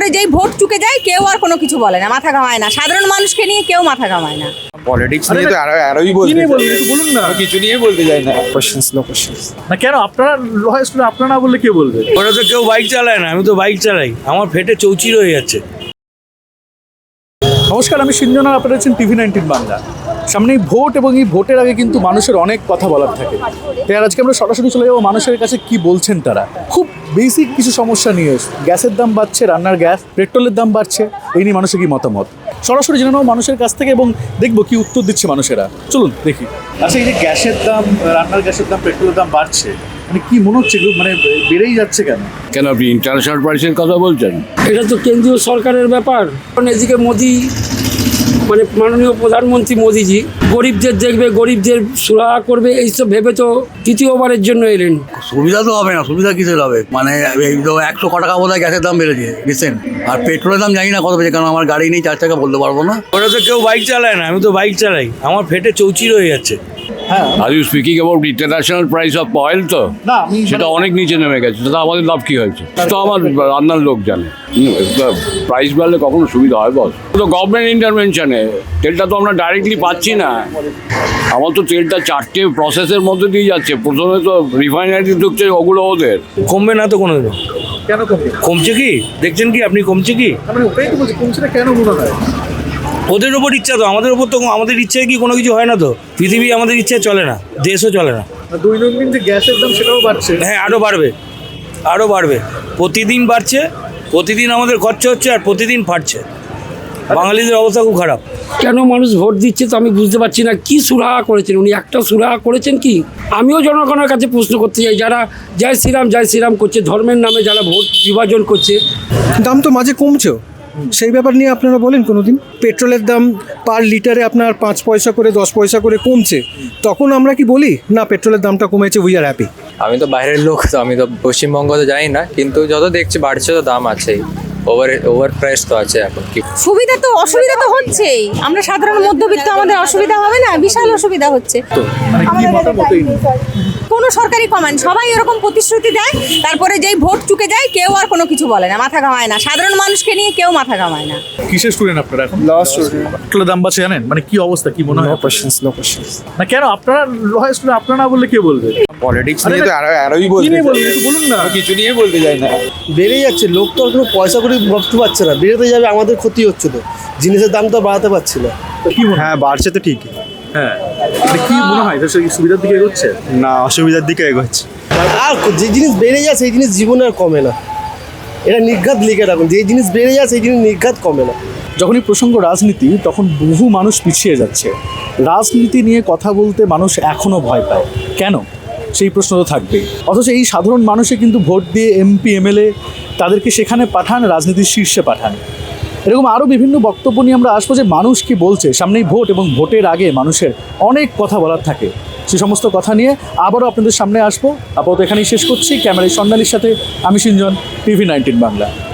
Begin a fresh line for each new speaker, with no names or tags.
যেই ভোট চুকে যায় কেউ আর কোনো কিছু বলে না, মাথা ঘামায় না, সাধারণ মানুষকে নিয়ে কেউ মাথা ঘামায় না।
পলিটিক্স নিয়ে তো আরোই বলতে
বলুন না,
কিছু নিয়ে বলতে চাই না। কোশ্চেন্স নো কোশ্চেন্স
না কেন আপনারা লয় স্টুডেন্ট, আপনারা না বললে কে বলবে?
ওরা তো কেউ বাইক চালায় না, আমি তো বাইক চালাই, আমার ফেটে চৌচির হয়ে যাচ্ছে।
নমস্কার, আমি সিঞ্জন আর আপনারা আছেন TV19 বাংলা। সামনেই ভোট এবং এই ভোটের আগে কিন্তু মানুষের অনেক কথা বলার থাকে, তাই আর আজকে আমরা সরাসরি চলে যাবো মানুষের কাছে কি বলছেন তারা। খুব বেসিক কিছু সমস্যা নিয়ে, গ্যাসের দাম বাড়ছে, রান্নার গ্যাস, পেট্রোলের দাম বাড়ছে, এই নিয়ে মানুষের কি মতামত সরাসরি জেনে নেবো মানুষের কাছ থেকে এবং দেখবো কি উত্তর দিচ্ছে মানুষেরা। চলুন দেখি। আচ্ছা, এই যে গ্যাসের দাম, রান্নার গ্যাসের দাম, পেট্রোলের দাম বাড়ছে, মানে কি মনে হচ্ছে এগুলো মানে বেড়েই যাচ্ছে কেন?
কেন আপনি ইন্টারন্যাশনাল প্রাইসের কথা বলছেন?
এটা তো কেন্দ্রীয় সরকারের ব্যাপার। এদিকে মোদি মানে মাননীয় প্রধানমন্ত্রী মোদিজি গরিবদের দেখবে, গরিবদের সুরাহা করবে, এইসব ভেবে তো তৃতীয়বারের জন্য এলেন।
সুবিধা তো হবে না, সুবিধা কিসের হবে? মানে এই তো 100 টাকা বোধ হয় গ্যাসের দাম বেড়েছে রিসেন্ট, আর পেট্রোলের দাম জানি না কত বেড়েছে, কারণ আমার গাড়ি নেই, 4 টাকা বলতে পারবো না।
ওরা তো কেউ বাইক চালায় না, আমি তো বাইক চালাই, আমার ফেটে চৌচির হয়ে যাচ্ছে।
Are you speaking about international price of oil, তো
না আমি
সেটা অনেক নিচে নেমে গেছে, সেটা আমাদের লাভ কি হয়েছে তো আমার রান্নার লোক জানে। প্রাইস বাড়লে কখনো সুবিধা হয় বস? তো গভর্নমেন্ট ইন্টারভেনশনে তেলটা তো আমরা ডাইরেক্টলি পাচ্ছি না। আমার তো তেলটা 4টে প্রসেসের মধ্যে দিয়ে যাচ্ছে। প্রথমে তো রিফাইনারি ঢুকছে, ওগুলো ওদের।
কমবে না তো কোনোদিনও।
কেন কমবে?
কমছে কি দেখছেন কি আপনি? কমছে কি?
মানে ওটাই তো বলছি, কমছে না কেন মনে হয়?
ওদের ওপর ইচ্ছা, তো আমাদের ওপর তো আমাদের ইচ্ছায় কি কোনো কিছু হয় না? তো পৃথিবী আমাদের ইচ্ছায় চলে না, দেশও চলে না।
দৈনন্দিন যে গ্যাসের দাম সেটাও বাড়ছে।
হ্যাঁ, আরও বাড়বে, আরও বাড়বে, প্রতিদিন বাড়ছে, প্রতিদিন আমাদের খরচা হচ্ছে আর প্রতিদিন ফাটছে। বাঙালিদের অবস্থা খুব খারাপ।
কেন মানুষ ভোট দিচ্ছে তো আমি বুঝতে পারছি না। কি সুরাহা করেছেন উনি? একটা সুরাহা করেছেন কি? আমিও জনগণের কাছে প্রশ্ন করতে চাই, যারা জয় শ্রীরাম করছে, ধর্মের নামে যারা ভোট বিভাজন করছে।
দাম তো মাঝে কমছেও, সেই ব্যাপার নিয়ে আপনারা বলেন কোনো দিন? পেট্রোলের দাম পার লিটারে আপনার 5 পয়সা করে 10 পয়সা করে কমছে, তখন আমরা কি বলি না পেট্রোলের দামটা কমেছে, উই আর হ্যাপি?
আমি তো বাইরের লোক, তো আমি তো পশ্চিমবঙ্গ তো জানি না, কিন্তু যত দেখছি বাড়ছে, তো দাম আছেই, ওভার প্রাইস তো আছে এখন। কি
সুবিধা তো অসুবিধা তো হচ্ছেই, আমরা সাধারণ মধ্যবিত্ত, আমাদের অসুবিধা হবে না? বিশাল অসুবিধা হচ্ছে।
মানে কি মতামত?
কোনো সরকারি কমেন্ট, সবাই এরকম প্রতিশ্রুতি দেয়, তারপরে যেই ভোট চুকে যায় কেউ আর কোনো কিছু বলে না, মাথা ঘামায় না, সাধারণ মানুষকে নিয়ে কেউ মাথা ঘামায় না।
কিসের স্টুডেন্ট আপনারা এখন?
Law student.
পেট্রোলের দাম বাড়ছে জানেন, মানে কি অবস্থা, কি মনে হয়?
কোশ্চেন্স নো কোশ্চেন্স
না কেন আপনারা লয় স্টুডেন্ট, আপনারা না বললে কে বলবে?
পলিটিক্স নিয়ে তো আরোই
কি
বলতে
নিয়ে বলবেন একটু বলুন না।
কিছু নিয়ে বলতে চাই না।
বেড়ে যাচ্ছে, লোক তো আর কোনো পয়সা করে ভাবতে পারছে না, বেড়েতে যাবে, আমাদের ক্ষতি হচ্ছে, তো জিনিসের দাম তো বাড়াতে পারছি না।
কি মনে হয়?
হ্যাঁ, বাড়ছে তো ঠিকই।
হ্যাঁ, মানে কি মনে হয় এটা সুবিধার দিকে এগোচ্ছে
না, অসুবিধার দিকে এগোচ্ছে।
আর যে জিনিস বেড়ে যায় সেই জিনিস জীবনে আর কমে না, এটা নির্ঘাত লিখে রাখুন, যে জিনিস বেড়ে যায় সেই জিনিস নির্ঘাত কমে না।
যখনই প্রসঙ্গ রাজনীতি, তখন বহু মানুষ পিছিয়ে যাচ্ছে। রাজনীতি নিয়ে কথা বলতে মানুষ এখনও ভয় পায় কেন? সেই প্রশ্ন তো থাকবেই। অথচ এই সাধারণ মানুষে কিন্তু ভোট দিয়ে MP MLA তাদেরকে সেখানে পাঠান, রাজনীতির শীর্ষে পাঠান। এরকম আরও বিভিন্ন বক্তব্য নিয়ে আমরা আসবো যে মানুষ কি বলছে। সামনেই ভোট এবং ভোটের আগে মানুষের অনেক কথা বলার থাকে, সে সমস্ত কথা নিয়ে আবারও আপনাদের সামনে আসবো। আপাতত এখানেই শেষ করছি। ক্যামেরায় স্বর্ণালীর সাথে আমি সিঞ্জন, TV19 বাংলা।